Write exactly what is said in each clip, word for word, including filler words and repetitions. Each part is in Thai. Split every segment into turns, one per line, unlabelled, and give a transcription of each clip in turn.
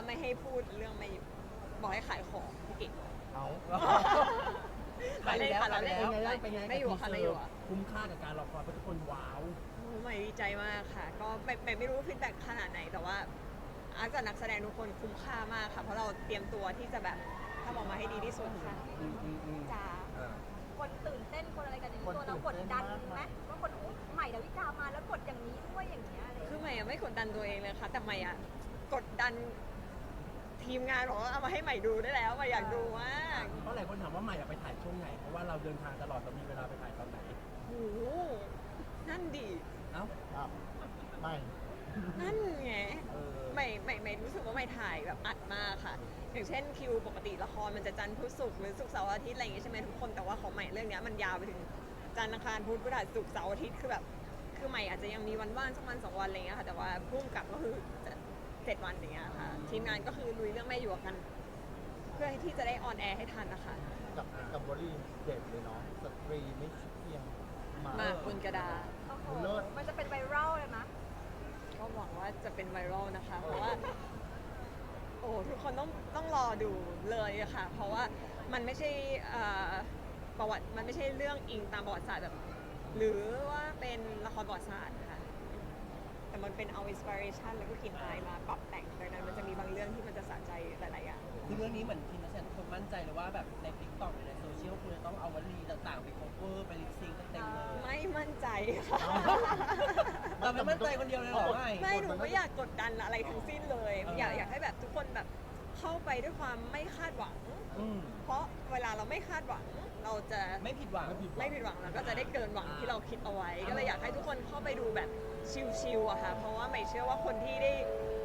ไม่ให้พูดเรื่องไม่บอกให้ขายของพี่เก่ง
เอา
ขายแล้วขายแล้ว
เป็นไงบ้างเป็นไง
ไม่อยู่ค่ะไม่อยู่อะ
คุ้มค่ากับการรอคอยเพราะทุกคนว้าว
โอ้ใหม่ดีใจมากค่ะ ก็ไม่ไม่ไม่รู้ฟีดแบ็กขนาดไหนแต่ว่าอาร์ตกับนักแสดงทุกคนคุ้มค่ามากค่ะ เพราะเราเตรียมตัวที่จะแบบทำออกมาให้ดีที่สุดค่ะ
อืมอืมอืม
จ้า
อ่า
คนตื่นเต้นคนอะไรกันอย่างนี้
คน
ตัวเรา
ตื่
ก
น
ด
เต้น
ดัน
มาก
ไหมว่าคนอุ๊ยใหม่ดาวิกามาแล้วกดอย่างนี้ด้วยอย่างเงี้ยอะไรอย่าง
คือ
เงี้ย
ใหม่อะไม่กดดันตัวเองเลยค่ะ แต่ใหม่อะกดดันทีมงานบอกว่าเอามาให้ใหม่ดูได้แล้วใหม่อยากดูมาก
เพราะหลายคนถามว่าใหม่อะไปถ่ายช่วงไหนเพราะว่าเราเดินทางตลอดเรามีเวลาไปถ่ายตอนไหน
โอ้โหนั่นดี
เอ้า
อ่ะไม่
นั่นไง
เออ
ใหม่ใหม่ใหม่รู้สึกว่าใหม่ถ่ายแบบอัดมากค่ะ อย่างเช่นคิวปกติละครมันจะจันทร์พุธศุกร์หรือศุกร์เสาร์อาทิตย์อะไรอย่างงี้ใช่ไหมทุกคนแต่ว่าของใหม่เรื่องเนี้ยมันยาวไปถึงจันทร์อังคารพุธพฤหัสศุกร์เสาร์อาทิตย์คือแบบคือใหม่อาจจะยังมีวันว่างสักวันสองวันอะไรเงี้ยค่ะแต่ว่าพุ่งกลับก็คือจะเจ็ดวันอย่างเงี้ยค่ะทีมงานก็คือลุยเรื่องแม่หยวกกัน เพื่อที่จะได้ออนแอร์ให้ทันนะคะ
กับกับบรีเด็ดเลยเนาะสตรีไม่เพียงมา
มาบนกระดาษ
โอ้โห
เลิศ
มันจะเป็นไวรัลเลยมะ
ก็หวังว่าจะเป็นไวรัลนะคะ เพราะว่า โอ้ทุกคนต้องต้องรอดูเลยอะค่ะ เพราะว่ามันไม่ใช่เอ่อประวัติมันไม่ใช่เรื่องอิงตามประวัติศาสตร์แบบหรือว่าเป็นละครประวัติศาสตร์ค่ะ แต่มันเป็นเอาอินสปิเรชันแล้วก็กลินอายมาปรับแต่งดังนั้นมันจะมีบางเรื่องที่มันจะสะใจหลายๆอย่าง
คือเรื่องนี้เหมือนทีมนักแสดงทุกคนมั่นใจเลยว่าแบบในติ๊กต็อกหรือในโซเชียลคุณจะต้องเอาวลีต่างๆ ไปโคเวอร์ไปลิปซิงค์เต็มๆเลย
ไม่มั่นใจค่ะ
เราไม่มั่นใจคนเดียวเลยเหรอไม่
ไม่หนูไม่อยากกดดันอะไรทั้งสิ้นเลย
เออ
อ
อ
ยากอยากให้แบบทุกคนแบบเข้าไปด้วยความไม่คาดหวัง
อืม
เพราะเวลาเราไม่คาดหวัง เราจะ
ไม่ผิดหวัง
ไม่ผิดหวัง
ไม่ผิดหวังแล้วก็จะได้เกินหวังที่เราคิดเอาไว้ ก็เลยอยากให้ทุกคนเข้าไปดูแบบชิลๆอะค่ะ เพราะว่าไม่เชื่อว่าคนที่ได้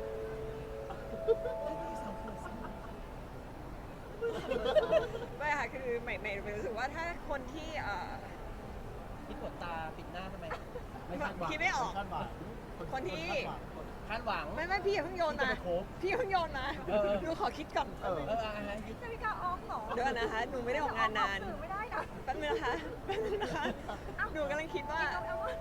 ไม่ค่ะคือใหม่ใหม่รู้สึกว่าถ้าคนที่เอ่อ
ที่กดตาปิดหน้าทำไม
ไม่คาดหวัง
คิดไม่ออก
คาดหวัง
คนที่
คาดหวัง
คาดหวัง
ไม่ไม่พี่อย่าเพิ่งโยนมา
ที่จะไปโคฟ
พี่อย่าเพิ่งโยนมา
เออ
ดูขอคิดก่อน
เออ
เอออะไรยึด
ดาวิกาออกเหรอ
เดี๋ยวก่อนนะคะ หนูไม่ได้ออกงานนาน
สื่อไม่ได้นะ
แป๊บนึงนะคะแป๊บนึงนะคะ หนูกำลังคิดว่า
เอาเอาว่า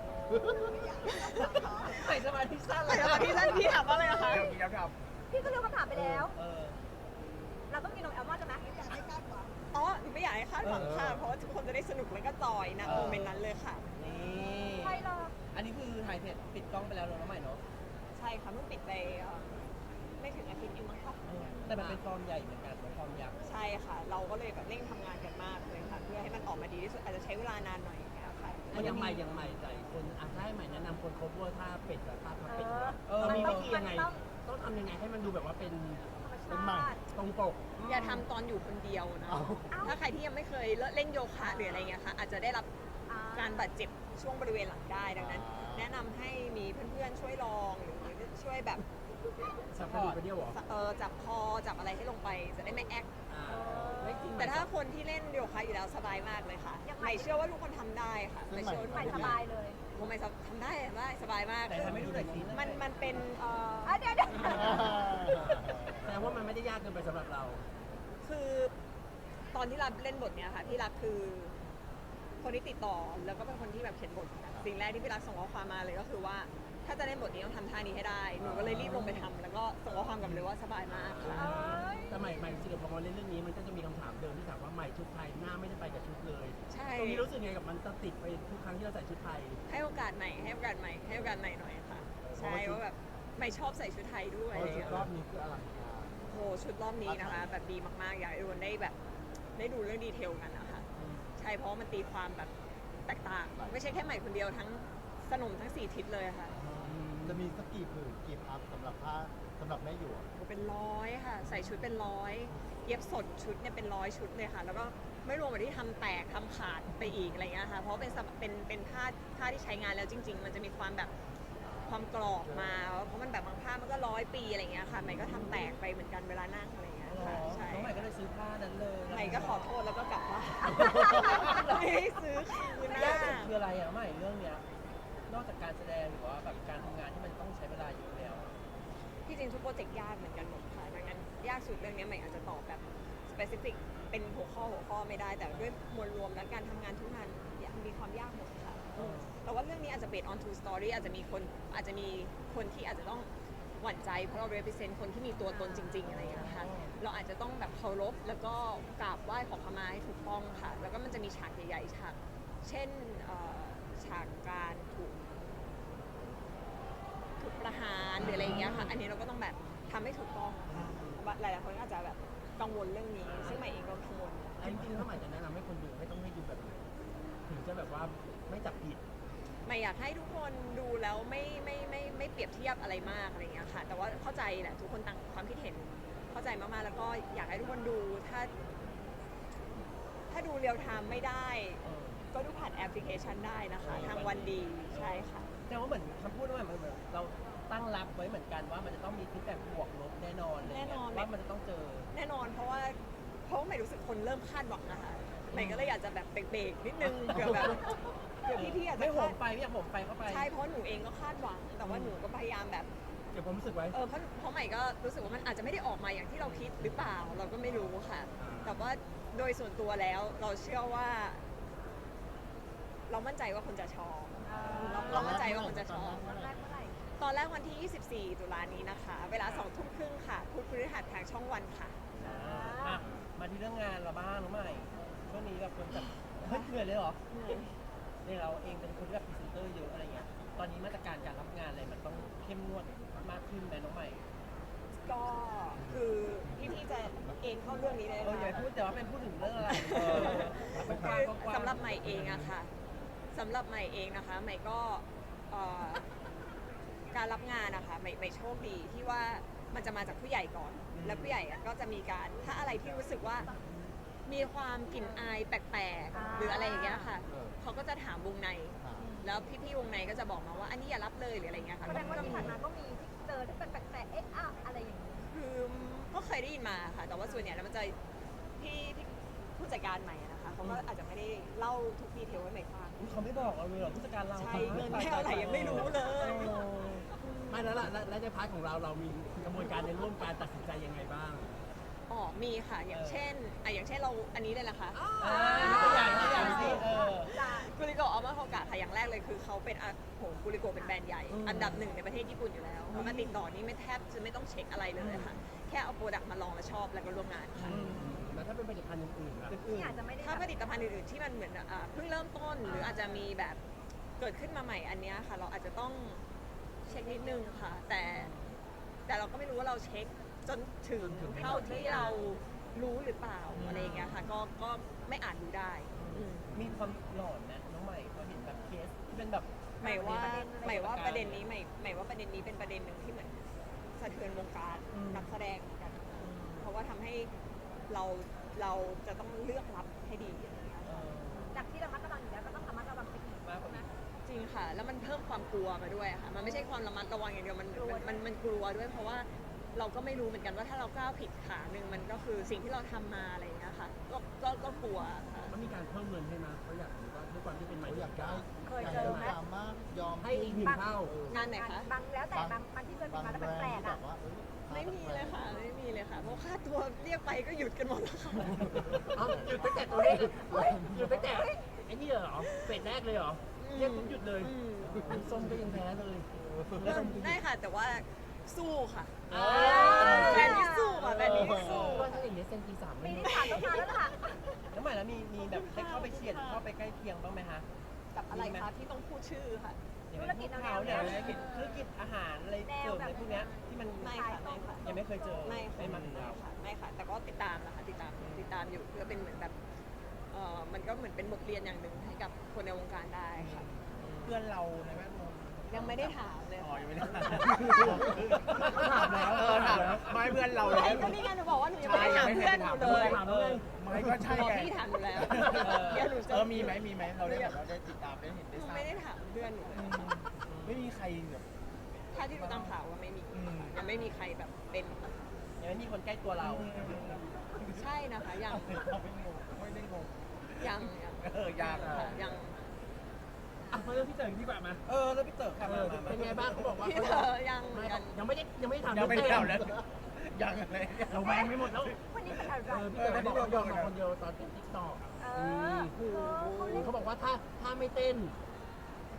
ใส่สมาธิสั้นเล
แต่
ย
ตอนที่ท่านพี่ถามว่าอะไรนะคะ
พี่ก็เลือกคำถามไปแล้ว
เออ
เราต้องกินนมแอลมอนด์ใช่ไหมอยากให้คาดหวัง
อ๋อหนูไม่อยากให้คาดหวังค่ะ
เออ
เพราะว่าทุกคนจะได้สนุกแล้วก็จอยนะ
เออ
โมเมนต์นั้นเลยค่ะ
นี่
ใช่เลย
อันนี้คือถ่ายเสร็จปิดกล้องไปแล้วเนอะน้องใหม่เนาะ
ใช่ค่ะเพิ่งปิดไปเอ่อไม่ถึงอาทิตย์เองมั้งค่ะ
เออแต่มันเป็นฟอร์มใหญ่เหมือนกันเป็นฟอร์มยักษ์
ใช่ค่ะ เราก็เลยแบบเร่งทำงานกันมากเลยค่ะ เพื่อให้มันออกมาดีที่สุดอาจจะใช้เวลานานหน่อยนะคะ
มันยังใหม่ยังใหม่ใจคนอาจจะให้ใหม่แนะนำคนคบว่าถ้าเป็ดกับถ้าทำเป็ด
เออ
เรามี
มัน
วิ
ต้อง
ธียังไง
มันต้อง
ต้องทำยังไงให้มันดูแบบว่าเป็น
ธรรมชาติ
ตรงปก
อย่าทำตอนอยู่คนเดียวนะ
เอา
ถ้าใครที่ยังไม่เคยเล่นโยคะหรืออะไรเงี้ยค่ะอาจจะได้รับ
อ่า
การบาดเจ็บช่วงบริเวณหลังได้ดังนั้น
อ่า
แนะนำให้มีเพื่อนๆช่วยลองหรือช่วยแบบ
สับกระดูกกระเดี่ยวเหรอ
เออจับคอจับอะไรให้ลงไปจะได้ไม่แอค
อ่าไม่จริง
แต่ถ้าคนที่เล่นโยคะอยู่แล้วสบายมากเลยค่ะ
ยังไง
ไม่เชื่อว่าทุกคนทำได้ค่ะไม่เชื่อว่าทุก
ใหม่
คน
ส
ทำ
บา
ได้
ยเลย
ผมไม่ทำได้ทำได้สบายมาก
แต่ทำให้ดูหน่อยสิ
มันมันเป็นเอ่อ
อ่ะเดี๋ยวเดี๋ยว
แสดงว่ามันไม่ได้ยากเกินไปสำหรับเรา
คือตอนที่รับเล่นบทเนี้ยค่ะพี่รักคือ คนที่ติดต่อแล้วก็เป็นคนที่แบบเขียนบทสิ่งแรกที่พี่รักส่งข้อความมาเลยก็คือว่า ถ้าจะเล่นบทนี้ต้องทำท่านี้ให้ได้หนูก็เลยรีบลงไปทำแล้วก็ส่งข้อความกลับเลยว่าสบายมากค่ะ
เอ้ย
แต่ใหม่ใหม่จริงๆพอมาเล่นเรื่องนี้มันก็จะมีคำถามเดิมที่ถามว่าใหม่ชุดไทยหน้าไม่ได้ไปกับชุดเลย
ใช่
ตรงนี้รู้สึกไงกับมันจะติดไปทุกครั้งที่เราใส่ชุดไทย
ให้โอกาสใหม่ให้โอกาสใหม่ให้โอกาสใหม่หน่อยค่ะ ใช่ว่าแบบใหม่ชอบใส่ชุดไทยด้วย
เพราะชุดรอบนี้คืออลังการ
โหชุดรอบนี้นะคะ แบบดีมากๆ อยากให้ทุกคนได้แบบได้ดูเรื่องดีเทลกันนะคะ ใช่เพราะว่ามันตีความแบบแตกต่าง ไม่ใช่แค่ใหม่คนเดียวทั้งสนมทั้งสี่ทิศเลยค่ะ
จะมีสักกี่ผืนกี่พับสำหรับผ้าสำหรับแม่หยวก
โหเป็นร้อยค่ะ ใส่ชุดเป็นร้อยเย็บสดชุดเนี่ยเป็นร้อยชุดเลยค่ะ แล้วก็ไม่รวมกับที่ทำแตกทำขาดไปอีกอะไรเงี้ยค่ะ เพราะเป็นสะเป็นเป็นผ้าผ้าที่ใช้งานแล้วจริง ๆ มันจะมีความแบบความกรอบมา เพราะมันแบบบางผ้ามันก็ร้อยปีอะไรเงี้ยค่ะใหม่ก็ทำแตกไปเหมือนกันเวลานั่งอะไรเงี้ยค่ะใช่
น้องใหม่ก็เลยซื้อผ้านั้นเลย
ใหม่ก็ขอโทษแล้วก็กลับบ้านไม่ได้ซื้อคืนห
ยา
น้าก
สุดคืออะไรอะใหม่เรื่องเนี้ย นอกจากการแสดงหรือว่าแบบการทำงานที่มันต้องใช้เวลาเยอะแล้ว
ที่จริงทุกโปรเจกต์ยากเหมือนกันหมดค่ะดังนั้นยากสุดเรื่องนี้ใหม่อาจจะตอบแบบ specific เป็นหัวข้อหัวข้อไม่ได้ แต่ด้วยมวลรวมและการทำงานทุกงานมีความยากหมดค่ะ
อืม
แต่ว่าเรื่องนี้อาจจะ based on true story อาจจะมีคนอาจจะมีคนที่อาจจะต้องหวั่นใจเพราะเรา represent คนที่มีตัวตนจริงๆอะไรอย่างเงี้ยค่ะเราอาจจะต้องแบบเคารพแล้วก็กราบไหว้ขอขมาให้ถูกต้องค่ะแล้วก็มันจะมีฉากใหญ่ๆฉากเช่นเอ่อฉากการถูกถูกประหารหรืออะไรอย่างเงี้ยค่ะอันนี้เราก็ต้องแบบทำให้ถูกต้องค่ะหลายๆคนก็อาจจะแบบกังวลเรื่องนี้ซึ่งใหม่เองก็กังวล
จริงๆถ้าใหม่จะแนะนำให้คนดูให้ต้องให้ดูแบบไหนถึงจะแบบว่าไม่จับผิด
ไม่อยากให้ทุกคนดูแล้วไม่ไม่ไม่ไม่เปรียบเทียบอะไรมากอะไรอย่างเงี้ยค่ะแต่ว่าเข้าใจแหละทุกคนต่างความคิดเห็นเข้าใจมากๆแล้วก็อยากให้ทุกคนดูถ้า ถ้าดูเรียลไทม์ไม่ได้ ก็ดูผ่านแอปพลิเคชันได้นะคะ ทางวันดีใช่ค่ะ
แต่ว่าเหมือนคำพูดว่าเหมือนเหมือนเราตั้งรับไว้เหมือนกันว่ามันจะต้องมีฟีดแบ็กบวกลบแน่นอนเลย
แน่นอน
ว่ามันจะต้องเจอ
แน่นอนเพราะว่าเพราะว่าใหม่รู้สึกคนเริ่มคาดหวังนะคะใหม่ก็เลยอยากจะแบบเบรกๆนิดนึงเผื่อแบบเผื่อพี่ๆอาจจะ
ไม่โห
คาม ด
ไฟไม่อยากโหมไฟเข้าไป
ใช่เพราะหนูเองก็คาดหวัง แต่ว่าหนูก็พยายามแบบ
เก็บความรู้สึกไว้
เออเพราะเพราะใหม่ก็รู้สึกว่ามันอาจจะไม่ได้ออกมาอย่างที่เราคิดหรือเปล่าเราก็ไม่รู้ค่ะ แต่ว่าโดยส่วนตัวแล้วเราเชื่อว่า เรามั่นใจว่าคนจะชอบเราเรามั่นใจว่าคนจะชอบ
แรกเมื่อไหร่
ตอนแรกวันที่ ยี่สิบสี่ ตุลานี้นะคะ เวลาสองทุ่มครึ่งค่ะพุธพฤหัสทางช่องวันค่ะ
อ่ะมาที่เรื่องงานเราบ้างน้องใหม่ช่วงนี้แบบคนแบบเฮ้ยเหนื่อยเลยเหรอเนี่ยเราเองเป็นคนที่แบบพรีเซนเตอร์เยอะอะไรเงี้ยตอนนี้มาตรการการรับงานอะไรมันต้องเข้มงวดมากขึ้นไหมน้องใหม่
ก็คือพี่ๆจะเอ็นเข้าเรื่องนี้เลย
เอออย่า
นะ
พูดแต่ว่าเป็นพูดถึงเรื่องอะไร
เออ
เป็นก
คื
ว้า
อง
ๆ
สำหรับใหม่เองอะค่ะสำหรับใหม่เองนะคะใหม่ก็เอ่อการรับงานนะคะใหม่ใหม่โชคดีที่ว่ามันจะมาจากผู้ใหญ่ก่อน แล้วผู้ใหญ่อะก็จะมีการถ้าอะไรที่รู้สึกว่ามีความกลิ่นอายแปลกๆ หรืออะไรอย่างเงี้ยค่ะเขาก็จะถามวงใน แล้วพี่ๆวงในก็จะบอกมาว่าอันนี้อย่ารับเลยหรืออะไรเงี้ยค่ะ
แสดงว่า
ก็
ที่
มี
ผ่านมาก็มีที่เจอที่เป็นแปลกๆเอ๊ะอ้าวอะไรอย่างนี้
คือก็เคยได้ยินมาค่ะ แต่ว่าส่วนใหญ่แล้วมันจะพี่พี่ผู้จัดการใหม่อะนะคะเขาก็อาจจะไม่ได้เล่าทุกดีเทลให้ใหม่ฟัง
อุ๊ยเขาไม่บอกเราเลยเหรอผู้จัดการเรา
ใช่เงินแค่อะไรยังไม่รู้เลย
เออ
ไม่แล้วล่ะและและในพาร์ทของเราเรามีกระบวนการในร่วมการตัดสินใจยังไงบ้าง
อ๋อมีค่ะ อย่างเช่นอ่ะอย่างเช่นเราอันนี้เลยนะคะ
อ่าตัวอย่างตัวอย่างสิเออ
กุริโกะอัลมาโฮกะค่ะอย่างแรกเลยคือเขาเป็นอ่ะโหกุริโกะเป็นแบรนด์ใหญ่
อืม
อันดับหนึ่งในประเทศญี่ปุ่นอยู่แล้วเขามาติดต่อนี่ไม่แทบจะไม่ต้องเช็คอะไรเลยค่ะ แค่เอาโปรดักต์มาลองแล้วชอบแล้วก็ร่วมงานค่ะ
อืม
แล้วถ้าเป็นผลิตภัณฑ์อื่นๆล่ะ
อื่
ที่
น
อาจจะไม่ได้
ถ้าผ
แบบ
ลิตภัณฑ์อื่นๆที่มันเหมือนอ่ะเพิ่งเริ่มต้นหรืออาจจะมีแบบเกิดขึ้นมาใหม่อันเนี้ยค่ะ เราอาจจะต้องเช็คนิดนึงค่ะ แต่แต่เราก็ไม่รู้ว่าเราเช็คจนถึงเท่าที่เรารู้หรือเปล่าอะไรอย่างเงี้ยค่ะ ก็ก็ไม่อาจรู้ได้อืม
มีความหลอนนะน้องใหม่พอเห็นแบบเคสที่เป็นแบบ
หมายว่า
ประเด็น
หมายว่า
ประ
ประ
เด็
เด็
น
นนี้หมายหมายว่าประเด็นนี้เป็นประเด็นหนึ่งที่เหมือนสะเทือนวงการ
อืม
นักแสดงเหมือนกัน เพราะว่าทำให้เราเราจะต้องเลือกรับให้ดีอะไรอย่างเงี้ย
เออ
จากที่ระมัดระวังอยู่แล้วก็ต้องระมัดระวังไปอีก
มากกว่านี้
จริงค่ะ แล้วมันเพิ่มความกลัวมาด้วยค่ะ มันไม่ใช่ความระมัดระวังอย่างเดียวมันมันมันมันกลัวด้วย เพราะว่าเราก็ไม่รู้เหมือนกันว่าถ้าเราก้าวผิดขาหนึ่งมันก็คือสิ่งที่เราทำมาอะไรอย่างเงี้ยค่ะก็ก็ก็กลัวค่ะ
มันมีการเพิ่มเงินให้มาเขาอยากรู้ว่าด้วยความที่เป็นใหม่
เขาอยากได้
เคยเจอไหม
ยากมากยอม
ให้อีกหนึ่งเท่า
งานไหนคะ
บางแล้วแต่บางบางที่เคยมี
บาง
มาแล้ว
แบรน
แปล
ด์
ก
ที่
ๆ
แบ
อ่ะ
บว่าเอ้ย
ไม่มีเลยค่ะ ไม่มีเลยค่ะ เพราะค่าตัวเรียกไปก็หยุดกันหมดแล้วค่ะ
เอ้าหยุดตั้งแต่ตัวเลขหยุดตั้งแต่ไอ้นี่เหรอเฟสแรกเลยเหรอเรียกปุ๊บหยุดเลย
อืม
ส้มก็ยังแพ้เลย
ได้ค่ะ แต่ว่าสู้ค่ะ
อ่า
แบรนด์นี้สู้ค่ะแบรนด์นี้สู้
ว่าถ้าอย่างนี้เซนตีสาม
ปี
ไม่
นี้ผ่านต้องมาแล้วล่ะ
น้องใหม่แล้วมีมีแบบได้เข้าไปเฉียดเข้าไปใกล้เคียงบ้างไหมคะ
กับอะไรคะที่ต้องพูดชื่อค่ะ
อย่างธุรกิจเขาเนี่ยธุรกิจธุรกิจอาหารอะไรเสริมอะไรพวกเนี้ยที่มัน
ไม่ค่ะไม่ค่ะ
ยังไม่เคยเจอ
ไม่ค่ะ
ไม่มาถึง
ไม่
เรา
ค่ะไม่ค่ะ แต่ก็ติดตามนะคะติดตามติดตามอยู่เพื่อเป็นเหมือนแบบเออมันก็เหมือนเป็นบทเรียนอย่างหนึ่งให้กับคนในวงการได้ค่ะ
เพื่อนเราในแวดวง
ยังไม่ได้ถามเลย
อ๋อ
ค่ะ
ยังไม่ได้ถาม
ถามแล้ว
เออถามไม่เพื่อนเราเลย
ไอ้ก็นี่ไงหนูบอกว่าหนูยังไม่ได้ถามเพื่อนหนูเลย
ถามเลย
ไม่ก็ใช่
บอก
ไง
พี่ถามหนูแล้วเดี๋ยวหนูจะ
เออมีไหมมีไหมเราได้แบบเราได้ติดตามได้เห็น
ห
ได้
นู
ทราบ
ไม่ได้ถามเพื่อนหนูเลย
อืมไม่มีใครแบบ
ถ้าที่ดูตามข่าวว่าไม่มี
อืม
ยังไม่มีใครแบบเป็น
ยังไม่มีคนใกล้ตัวเรา
ใช่นะคะยัง
เราไม่งงไม่ได้งง
ยังยัง
เออยาก
ค่ะยัง
อ่ะเพราะเรื่องพี่เต๋อดีกว่ามา
เออแล้วพี่เต๋อค่ะ
เอ
มา
อ
มามา
เป็นไงบ้างเขาบอกว่า
พี่
เขา
เธอยัง
ไม่
ยัง
ยังไม่ได้ยังไม่ได้ถาม
ยังไม่ได้
เรื่
เล่า
อง
แล้วยังอะไร
เราแวงไม่หมดแล้ว
วันนี้เป็นอะไร
เออพี่เต๋อบอกว่าโดนมาคนเดียวตอนเต้นติ๊กต็อก
เออเออเขาเล่น
เขาบอกว่าถ้าถ้าไม่เต้น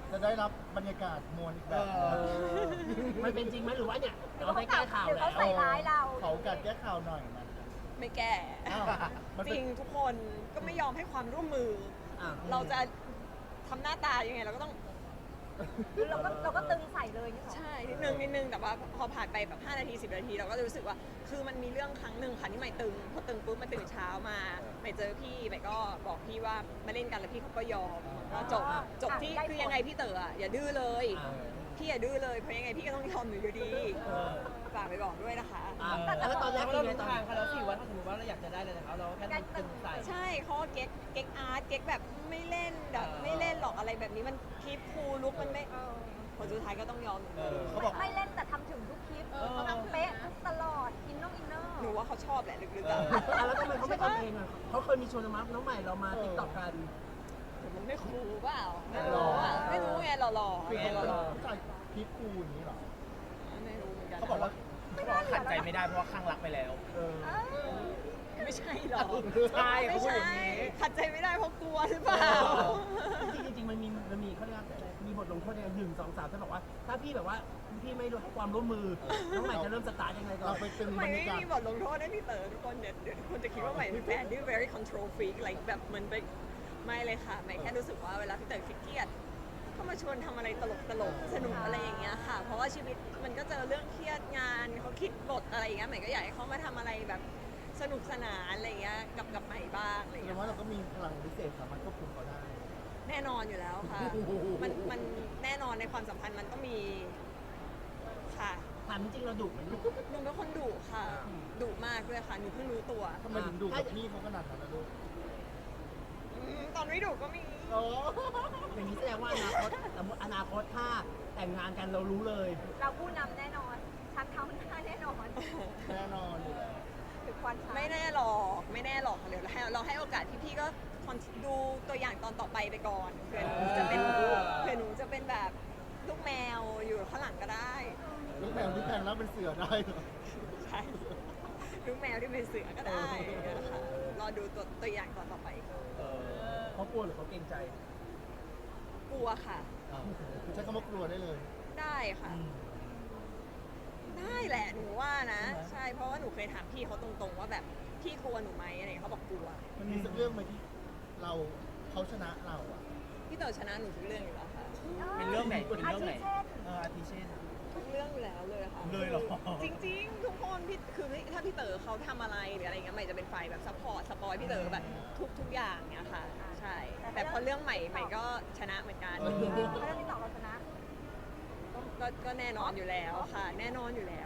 จะได้รับบรรยากาศมวลอีกแบบ
เออ
มันเป็นจริงไหมหรือว่าเนี่ย
หรือ
เรา
ว่า
ได้
เขา
แก้ข่าว
หรือ
แล้
เขา
ว
ใส่ร้ายเรา
เขากัดแก้ข่าวหน่อยมัน
ไม่แก้
อ้าวมัน
จ
เป็น
ริงทุกคนก็ไม่ยอมให้ความร่วมมือ
อ่ะ
เราจะทำหน้าตายังไงเราก็ต้อง
คือเราก็เราก็ตึงใส่เลยนี่หรอ
ใช่นิดนึงนิดนึงแต่ว่าพอผ่านไปแบบห้านาทีสิบนาทีเราก็จะรู้สึกว่า คือมันมีเรื่องครั้งหนึ่งค่ะที่ใหม่ตึงพอตึงปุ๊บมาตื่นเช้ามาใหม่เจอพี่ใหม่ก็บอกพี่ว่ามาเล่นกันแล้วพี่เขาก็ยอมก็จบจบที่คือยังไงพี่เต๋ออะอย่าดื้อเลย
อ่า
พี่อย่าดื้อเลยเพราะยังไงพี่ก็ต้องยอมหนูอยู่ดีฝากไปบอกด้วยนะคะ
อ่ะแล้วตอนแรก
เรา
เป็นไง
รู้
ตอน
ทางเขาแล้วสิว่าถ้าสมมติว่าเราอยากจะได้เลยนะครับเราแค่ต้องตึงใส่
ใช่เขาก็เก๊กเก๊กอาร์ตเก๊กแบบไม่เล่นแบบไม่เล่นหรอกอะไรแบบนี้มันคลิปคูลลุกมันไม่
เออ
ผลสุดท้ายก็ต้องยอมหนู
เออเขาบอก
ไม่เล่นแต่ทำถึงทุกคลิป
เออ
เขาทำเป๊ะทุกตลอดอินนองอินเนอร์
หนูว่าเขาชอบแหละลึกๆ
เอ
อะ
อ
อ่ะแล้วทำไมเขาไม่ทำเองอ่ะเขาเคยมีชวนมาน้องใหม่เรามาติ๊กต็อกกัน
มันไม่คูลเปล่าไม่รู้อะไม่รู้ไงหล่อๆ
คือ
ไง
เขา
หล่อ
ผู้ชายพีคคูลอย่างนี้เหรอ
ๆไม่รู้เหมือนกัน
เขาบอกว่าเขาบอกว่าขัดใจไม่ได้เพราะว่าข้างรักไปแล้ว
เออ
เออ
ไม่ใช่หรอก
ใช่เขา
ไม่
พูด
ใช่
อย่างนี้
ขัดใจไม่ได้เพราะกลัวหรือเปล่า
จริงๆจริงๆมันมีมันมีเขาเรียกว่ามีบทลงโทษยังไงหนึ่งสองสามจะบอกว่า ถ้าพี่แบบว่าพี่ไม่ให้ความร่วมมือน้องใหม่จะเริ่มสตาร์ทยังไงก่อ
เรา
น
ไปตึง
ให
บร
ม่
ร
ไม่
ยากาศ
มีบทลงโทษให้พี่เต๋อทุกคนเดี๋ยวเดี๋ยวทุกคนจะคิดว่าใหม่เป็นแฟนที่ very control freak อะไรแบบเหมือนไปไม่เลยค่ะใหม่แค่รู้สึกว่าเวลาพี่เต๋อเครียดก็มาชวนทำอะไรตลกตลกๆสนุกอะไรอย่างเงี้ยค่ะ เพราะว่าชีวิตมันก็เจอเรื่องเครียดงานเขาคิดบทอะไรอย่างเงี้ยใหม่ก็อยากให้เขามาทำอะไรแบบสนุกสนานอะไรอย่างเงี้ยกับกับใหม่บ้างอะไรอย่าง
แสด
เงี้
ง
ย
ว่าเราก็มีพลังพิเศษสามารถควบคุมเขาได้
แน่นอนอยู่แล้วค่ะ มันมันแน่นอนในความสัมพันธ์มันต้องมีค่ะ
ถามจริงๆเราดุไหมลูก
หนูเป็นคนดุค่ะดุมากด้วยค่ะหนูเพิ่งรู้ตัว
ทำไมถึงดูกับพี่เขาขนาดนั้นนะลูก
อืมตอนไม่ดุก็มี
โอ้
อย่างนี้แสดงว่าอนาคตสมมติอนาคตถ้าแต่งงานกันเรารู้เลย
เราผู้นำแน่นอนชักเท้าหน้าแน่นอน
แน่นอนอยู่แล้ว
คือควันชัก
ไม่แน่หรอกไม่แน่หรอกเดี๋ยวเราให้เราให้โอกาสพี่ๆก็คอนดูตัวอย่างตอนต่อไปไปก่อนเผื่อหนูจะเป็นเผื่อหนูจะเป็นแบบลูกแมวอยู่ข้างหลังก็ได้
ลูกแมวที่แพงแล้วเป็นเสือได้เหรอ
ใช่ลูกแมวที่เป็นเสือก็ได้นะคะรอดูตัวตัวอย่างตอนต่อไป
เออ
เขากลัวหรือเขาเกรงใจ
กลัวค่ะ
เอา
ใช้คำว่ากลัวได้เลย
ได้ค่ะ ได้แหละหนูว่านะ ใช่เพราะว่าหนูเคยถามพี่เขาตรงๆว่าแบบพี่กลัวหนูไหมอะไรอย่างเงี้ยเขาบอกกลัว
มันมีสักเรื่องไหมที่เราเขาชนะเราอ่ะ
พี่เต๋อชนะหนูทุกเรื่องอยู่แล้วค่ะ
เป็นเรื่องไหนเป็นเรื่องไหน
อาทิเช่น
เอออาทิเช่น
ทุกเรื่องอยู่แล้วเลยค่ะ
เลยเหรอ
จริงๆ ทุกคนพี่คือถ้าพี่เต๋อเขาทำอะไรหรืออะไรเงี้ยใหม่จะเป็นฝ่ายแบบซัพพอร์ตสปอยพี่เต๋อแบบทุกทุกอย่างเนี่ยค่ะ ใช่ แต่พอเรื่องใหม่ใหม่ก็ชนะเหมือนกัน
เพราะเรื่องที่สองเราชนะ
ก็ก็ก็แน่นอนอยู่แล้วค่ะ แน่นอนอยู่แล้ว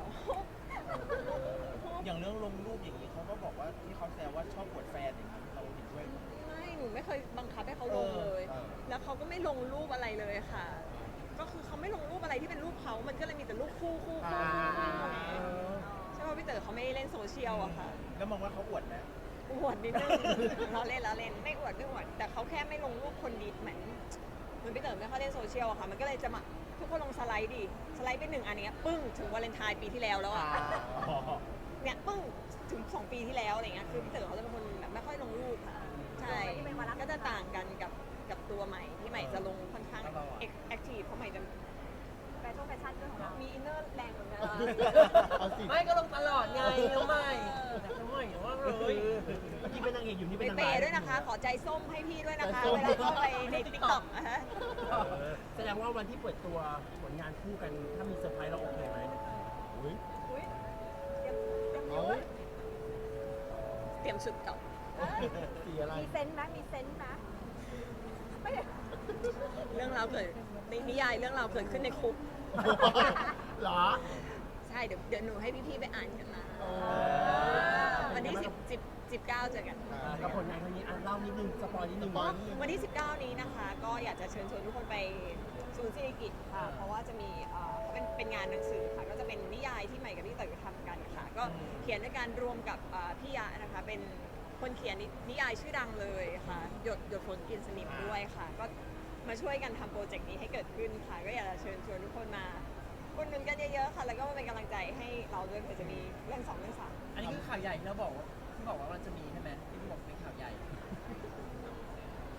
อย่างเรื่องลงรูปอย่างนี้เขาก็บอกว่าที่เขาแซวว่าชอบปวดแฟนอย่างนี้เราเห็นด้วยไหม
ไม่หนูไม่เคยบังคับให้เขาลงเลย
เออ
แล้วเขาก็ไม่ลงรูปอะไรเลยค่ะ ก็คือเขาไม่ลงรูปอะไรที่เป็นรูปเขา มันก็เลยมีแต่รูปคู่คู่คู่คู่คู่ใช่ป่ะพี่เต๋อเขาไม่เล่นโซเชียลอะค่ะ
แล้วมองว่าเขาอวดไหม
อวดนิดนึง เราเล่นเราเล่นไม่อวดไม่อวดแต่เขาแค่ไม่ลงรูปคนดีเหมือนเหมือนพี่เต๋อไม่ค่อยเล่นโซเชียลอะค่ะ มันก็เลยจะมาทุกคนลงสไลด์ดิสไลด์ไปหนึ่งอันเนี้ยปึ้งถึงวาเลนไทน์ปีที่แล้วแล้วอะ
อ๋อ
เนี่ยปึ้งถึงสองปีที่แล้วอะไรเงี้ยคือพี่เต๋อเขาจะเป็นคนแบบไม่ค่อยลงรูปค่ะใช่ก็จะต่างกันกับกับตัวใหม่ที่ใหม่จะลงค่อนข้างแอคทีฟเพราะใหม่จะ
แฟชั่นแฟชั่นด้วยของเรา
มีอินเนอร์แรงเหมือนกัน
เอาสิ
ไม่ก็ลงตลอดไงน้องใหม่แต่น้องใหม่อย่าว่าเลย
เมื่อกี้เป็นนางเอกอยู่นี่
ไป
เป็นนาง
เป
ร้าย
ย์ด้วยนะคะ ขอใจส้มให้พี่ด้วยนะคะ เวลาเข้าไปในติ๊กต็อกนะฮะ
แสดงว่าวันที่เปิดตัวผลงานคู่กันถ้ามีเซอร์ไพรส์เราโอเคไหม
อุ๊ย
อุ้ยเตรียมเตรียม
เอา
นิ้วไว้
เตรียมชุดก่อน
สีอะไร
มีเซนส์ไหมมีเซนส์ไหมไม่
เรื่องราวเกิดในนิยายเรื่องราวเกิดขึ้นในคุก
เหรอ
ใช่เดี๋ยวเดี๋ยวหนูให้พี่ๆไปอ่านกันนะ
อ๋อ
วันที่สิบ สิบ สิบเก้าเจอกัน
กับผลงานครั้งนี้อ่ะเล่านิดนึงสปอยนิดนึง
สปอยนิดนึง
วันที่ สิบเก้า นี้นะคะ ก็อยากจะเชิญชวนทุกคนไปศูนย์ศิริกิติ์ค่ะ เพราะว่าจะมีเอ่อเป็นเป็นงานหนังสือค่ะ ก็จะเป็นนิยายที่ใหม่กับพี่เต๋อทำกันค่ะ ก็เขียนด้วยการรวมกับเอ่อพี่ยะนะคะ เป็นคนเขียนนินิยายชื่อดังเลยค่ะ หยดหยดฝนกินสนิมด้วยค่ะ ก็มาช่วยกันทำโปรเจกต์นี้ให้เกิดขึ้นค่ะ ก็อยากจะเชิญชวนทุกคนมาอุดหนุนกันเยอะๆค่ะ แล้วก็มาเป็นกำลังใจให้เราด้วยเผื่อจะมีเรื่องสองเรื่องสาม
อันนี้คือข่าวใหญ่ที่เราบอกว่าที่บอกว่ามันจะมีใช่ไหมที่พี่บอกเป็นข่าวใหญ่
ใช่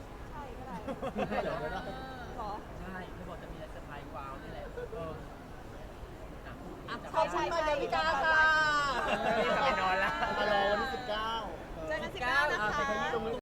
ก็ได้
ใช่เหรอ
หรอ
ใช่เธอบอกจะมีอะไรเซอร์ไพรส์ว้าวนี่แหละเอออ่ะพูด
อ่ะ
จับ
ขอบคุณ
ได้
มาดาวิกาค่ะ